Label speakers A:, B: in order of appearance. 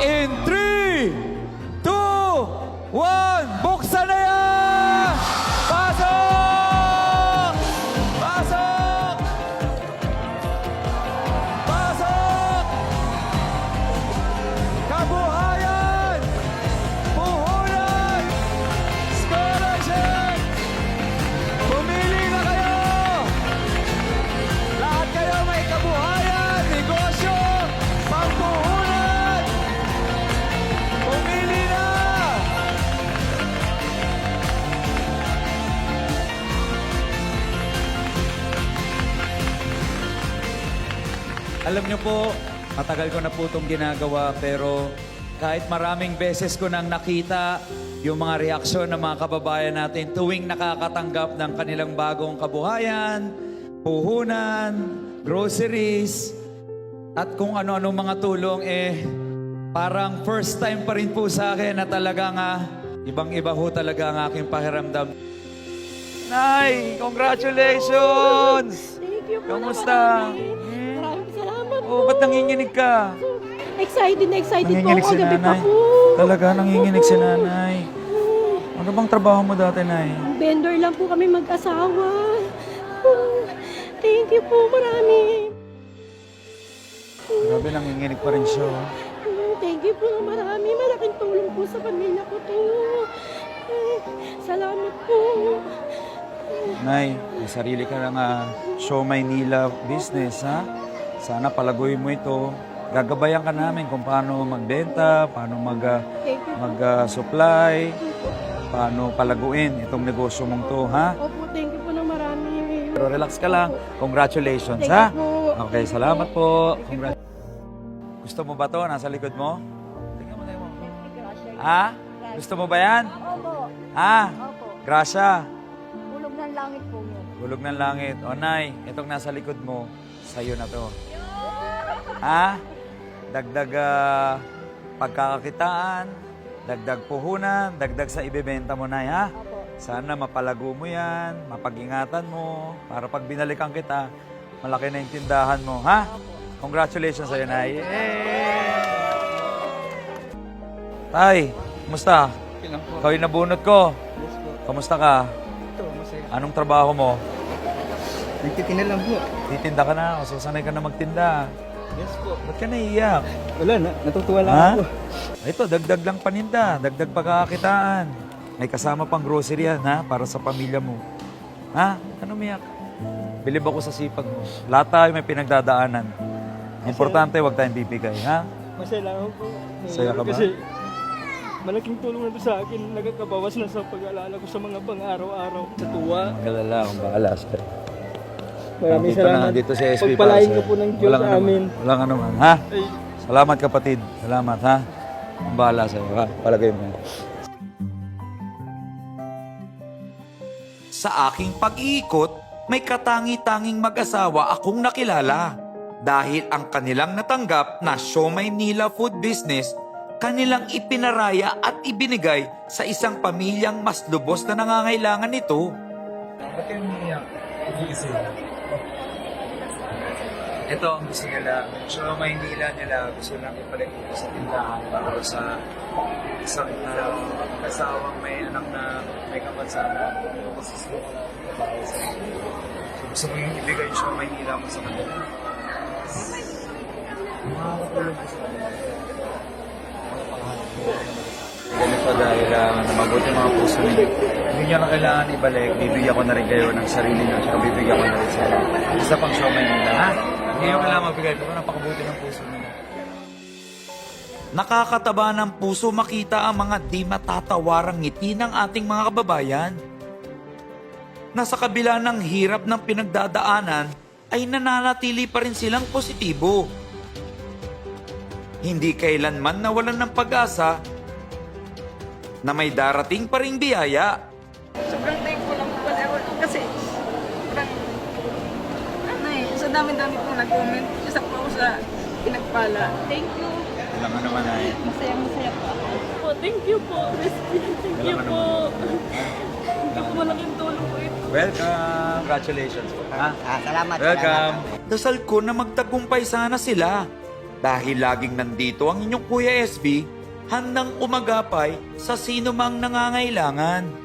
A: In 3, 2, 1, buksan na yan! Pasok! Pasok! Pasok! Kabuhayan! Puhunan! Scholarship! Pumili na kayo! Lahat kayo may kabuhayan, negosyo, pampuhunan! Pumili na! Alam niyo po, matagal ko na po itong ginagawa pero kahit maraming beses ko nang nakita yung mga reaksyon ng mga kababayan natin tuwing nakakatanggap ng kanilang bagong kabuhayan, puhunan, groceries, at kung ano-ano mga tulong, parang first time pa rin po sa akin na talagang ibang-iba ho talaga ang aking pakiramdam. Nay, congratulations!
B: Thank you po.
A: Kamusta?
B: Maraming salamat po.
A: Oh, ba't nanginginig ka?
B: Excited na excited po
A: Nanginginig
B: ako.
A: si
B: Gabi pa
A: nanay.
B: po.
A: Talaga, nanginginig si nanay. Ano bang trabaho mo dati, nay?
B: Vendor lang po kami mag-asawa. Thank you po, marami.
A: Grabe, nanginginig pa rin siya.
B: Thank you po, marami. Malaking tulong po sa pamilya ko to. Salamat po.
A: Nay, may sarili ka ng Show Maynila business, ha? Sana palaguin mo ito. Gagabayan ka namin kung paano magbenta, paano
B: Thank you.
A: mag-supply, paano palaguin itong negosyo mong to, ha?
B: Opo, thank you po ng marami.
A: Pero relax ka lang. Congratulations,
B: Thank
A: ha?
B: you po.
A: Okay, salamat po. Gusto mo ba to? Nasa likod mo? Tingnan mo tayo mo. Ha? Gusto mo ba yan?
C: Opo.
A: Ha?
C: Opo.
A: Grasya.
C: Bulog ng langit po yun.
A: Bulog ng langit. O, Nay, itong nasa likod mo, sa'yo na to. Ha? Dagdag pagkakakitaan, dagdag puhunan, dagdag sa ibebenta mo, Nay, ha?
C: Opo.
A: Sana mapalago mo yan, mapag-ingatan mo, para pag binalikan kita, malaki na yung tindahan mo, ha? Congratulations sa'yo, Nay. Tay, kumusta? Ikaw yung nabunot ko. Kamusta ka?
D: Ito, masaya.
A: Anong trabaho mo?
D: Nagtitinda lang po.
A: Titinda ka na o susanay ka na magtinda.
D: Yes po.
A: Ba't ka naiiyak?
D: Wala na, natutuwa lang
A: Ha?
D: ako.
A: Ito, dagdag lang paninda, dagdag pagkakakitaan. May kasama pang grocery yan, ha? Para sa pamilya mo. Ha? Ano umiyak? Bilib ako sa sipag mo. Lahat tayo may pinagdadaanan. Importante, huwag tayong bibigay, ha?
D: Masaya lang ako po.
A: Masaya ka ba?
D: Kasi malaking tulong na to sa akin. Nagkakabawas na sa pag-aalala ko sa mga pang-araw-araw. Sa tuwa.
A: Magalala, akong bahala, sir.
D: Maraming
A: Nandito
D: salamat.
A: Nandito si SP
D: Pagpalain
A: para
D: ka
A: sa'yo.
D: po ng Diyos
A: Walang
D: sa
A: anuman.
D: amin.
A: Walang anuman, ha?
D: Ay,
A: Salamat, kapatid. Salamat, ha? Ang bahala sa'yo, ha? Palagay mo.
E: Sa aking pag-iikot, may katangi-tanging mag-asawa akong nakilala. Dahil ang kanilang natanggap na Show Maynila Food Business, kanilang ipinaraya at ibinigay sa isang pamilyang mas lubos na nangangailangan nito.
A: Ba't kayo umiiyak? Ito ang gusto nila. Show Maynila nila. Gusto lang ipalik ito sa tindahan para sa isang kasawang may anak na may kapansana. So, gusto mo yung ibigay yung Show Maynila mo sa kanila. Makakatulog ko sa kanila. Ganito dahil mabuti mga puso ninyo. Hindi nyo na kailangan ibalik. Bibigyan ko na rin kayo ng sarili nyo. Saka bibigyan ko na rin sa isa pang Show Maynila, ha? Hindi nyo kailangan magbigay. Pero napakabuti ng puso ninyo.
E: Nakakataba ng puso makita ang mga di matatawarang ngiti ng ating mga kababayan. Na sa kabila ng hirap ng pinagdadaanan ay nananatili pa rin silang positibo. Hindi kailanman nawalan ng pag-asa na may darating pa ring biyaya.
F: Sobrang thankful lang po kasi sobrang sa dami-dami pong nag-comment. Isa po ako sa pinagpala. Thank you.
A: Alam nga naman ay.
B: Masaya po ako.
F: Po, thank you po. Thank you po. Thank you po. Malaking tulong po ito.
A: Welcome! Congratulations po, ha?
C: Salamat.
A: Welcome!
E: Dasal ko na magtagumpay sana sila. Dahil laging nandito ang inyong Kuya SB, handang umagapay sa sino mang nangangailangan.